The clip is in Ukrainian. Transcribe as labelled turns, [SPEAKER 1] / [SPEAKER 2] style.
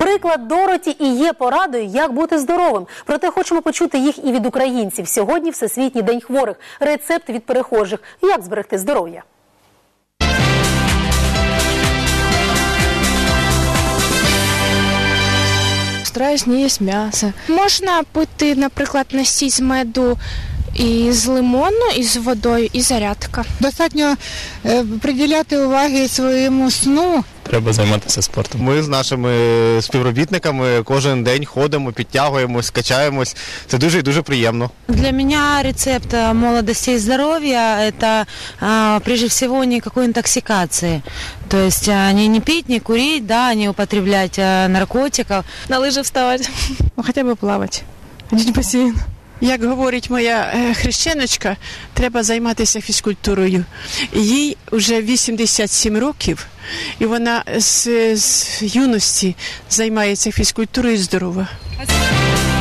[SPEAKER 1] Приклад Дороті і є порадою, як бути здоровим. Проте хочемо почути їх і від українців. Сьогодні Всесвітній день хворих. Рецепт від перехожих. Як зберегти здоров'я?
[SPEAKER 2] Стараюсь не їсти м'ясо. Можна пити, наприклад, настій з меду і з лимону, і з водою, і зарядка.
[SPEAKER 3] Достатньо приділяти уваги своєму сну.
[SPEAKER 4] Треба займатися спортом.
[SPEAKER 5] Ми з нашими співробітниками кожен день ходимо, підтягуємось, качаємось. Це дуже і дуже приємно.
[SPEAKER 6] Для меня рецепт молодости и здоровья – это прежде всего никакой интоксикации. То есть не пить, не курить, да, не употреблять наркотиков.
[SPEAKER 2] На лижі вставати.
[SPEAKER 7] Хоча б плавати, ходити в басейн. Як говорить моя хрещеночка, треба займатися фізкультурою. Їй вже 87 років, і вона з юності займається фізкультурою здорова.